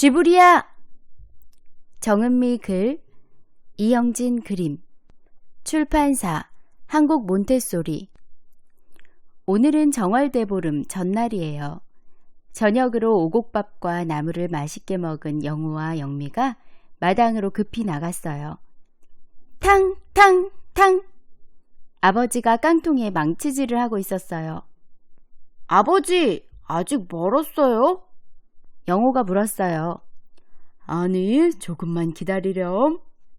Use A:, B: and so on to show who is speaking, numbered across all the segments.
A: 쥐부리야! 정은미 글, 이영진 그림, 출판사 한국 몬테소리. 오늘은 정월대보름 전날이에요. 저녁으로 오곡밥과 나물을 맛있게 먹은 영우와 영미가 마당으로 급히 나갔어요. 탕! 탕! 탕! 아버지가 깡통에 망치질을 하고 있었어요. 아버지, 아직 멀었어요? 영우가 물었어요. 아니, 조금만 기다리렴.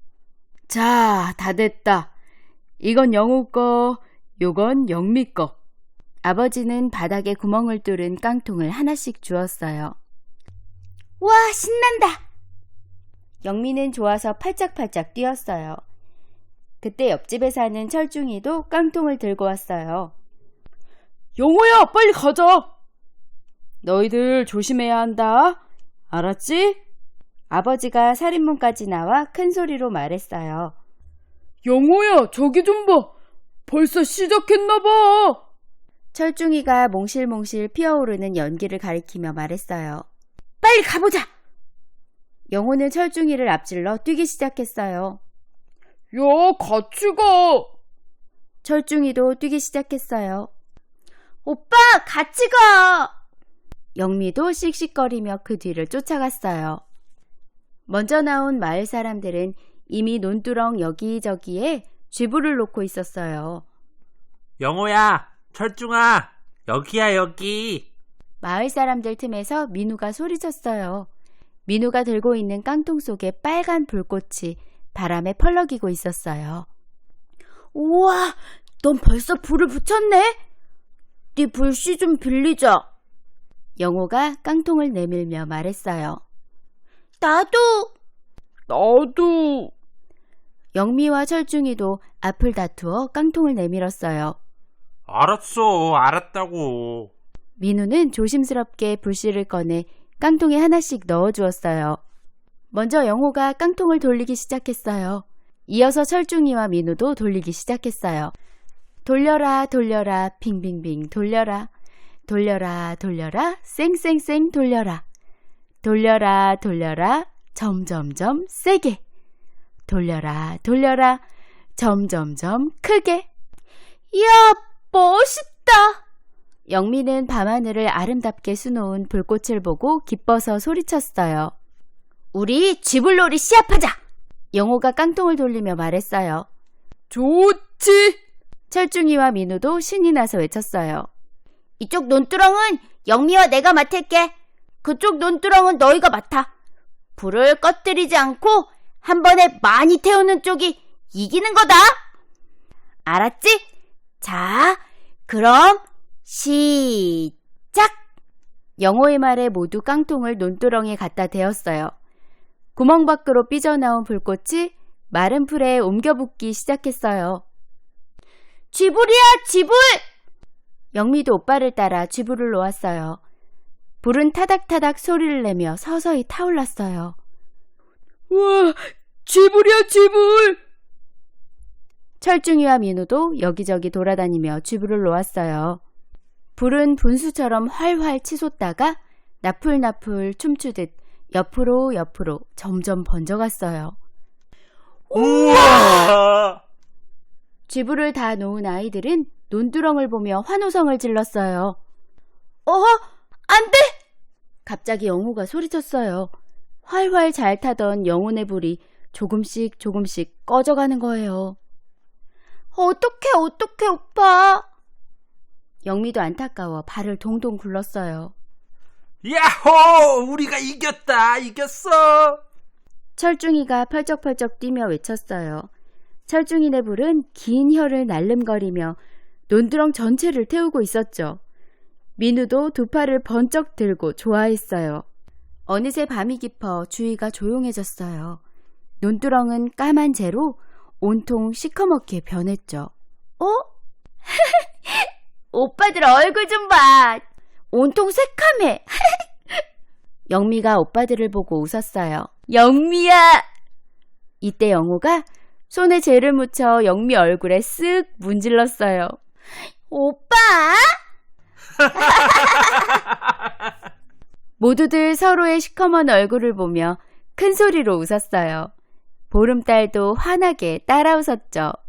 A: 자, 다 됐다. 이건 영우 거, 요건 영미 거. 아버지는 바닥에 구멍을 뚫은 깡통을 하나씩 주었어요. 와, 신난다! 영미는 좋아서 팔짝팔짝 뛰었어요. 그때 옆집에 사는 철중이도 깡통을 들고 왔어요. 영호야, 빨리 가자! 너희들 조심해야 한다. 알았지? 아버지가 살인문까지 나와 큰 소리로 말했어요. 영호야, 저기 좀 봐. 벌써 시작했나 봐. 철중이가 몽실몽실 피어오르는 연기를 가리키며 말했어요. 빨리 가보자! 영호는 철중이를 앞질러 뛰기 시작했어요. 야, 같이 가! 철중이도 뛰기 시작했어요. 오빠, 같이 가! 영미도 씩씩거리며 그 뒤를 쫓아갔어요. 먼저 나온 마을 사람들은 이미 논두렁 여기저기에 쥐불을 놓고 있었어요.
B: 영호야, 철중아, 여기야 여기.
A: 마을 사람들 틈에서 민우가 소리쳤어요. 민우가 들고 있는 깡통 속에 빨간 불꽃이 바람에 펄럭이고 있었어요. 우와, 넌 벌써 불을 붙였네? 네 불씨 좀 빌리자. 영호가 깡통을 내밀며 말했어요. 나도. 영미와 철중이도 앞을 다투어 깡통을 내밀었어요.
B: 알았어, 알았다고.
A: 민우는 조심스럽게 불씨를 꺼내 깡통에 하나씩 넣어주었어요. 먼저 영호가 깡통을 돌리기 시작했어요. 이어서 철중이와 민우도 돌리기 시작했어요. 돌려라 돌려라 빙빙빙 돌려라. 돌려라 돌려라 쌩쌩쌩 돌려라. 돌려라 돌려라 점점점 세게. 돌려라 돌려라 점점점 크게. 이야, 멋있다. 영미는 밤하늘을 아름답게 수놓은 불꽃을 보고 기뻐서 소리쳤어요. 우리 쥐불놀이 시합하자. 영호가 깡통을 돌리며 말했어요. 좋지. 철중이와 민우도 신이 나서 외쳤어요. 이쪽 논두렁은 영미와 내가 맡을게. 그쪽 논두렁은 너희가 맡아. 불을 꺼뜨리지 않고 한 번에 많이 태우는 쪽이 이기는 거다. 알았지? 자, 그럼 시작! 영호의 말에 모두 깡통을 논두렁에 갖다 대었어요. 구멍 밖으로 삐져나온 불꽃이 마른 풀에 옮겨붙기 시작했어요. 쥐불이야, 쥐불! 영미도 오빠를 따라 쥐불을 놓았어요. 불은 타닥타닥 소리를 내며 서서히 타올랐어요. 우와, 쥐불이야, 쥐불! 철중이와 민우도 여기저기 돌아다니며 쥐불을 놓았어요. 불은 분수처럼 활활 치솟다가 나풀나풀 춤추듯 옆으로 옆으로 점점 번져갔어요.
B: 우와!
A: 쥐불을 다 놓은 아이들은 논두렁을 보며 환호성을 질렀어요. 안 돼! 갑자기 영호가 소리쳤어요. 활활 잘 타던 영혼의 불이 조금씩 조금씩 꺼져가는 거예요. 어떡해, 오빠. 영미도 안타까워 발을 동동 굴렀어요.
B: 야호! 우리가 이겼어!
A: 철중이가 펄쩍펄쩍 뛰며 외쳤어요. 철중이네 불은 긴 혀를 날름거리며 논두렁 전체를 태우고 있었죠. 민우도 두 팔을 번쩍 들고 좋아했어요. 어느새 밤이 깊어 주위가 조용해졌어요. 논두렁은 까만 재로 온통 시커멓게 변했죠. 오빠들 얼굴 좀 봐. 온통 새카매. 영미가 오빠들을 보고 웃었어요. 영미야! 이때 영호가 손에 재를 묻혀 영미 얼굴에 쓱 문질렀어요. 오빠! 모두들 서로의 시커먼 얼굴을 보며 큰 소리로 웃었어요. 보름달도 환하게 따라 웃었죠.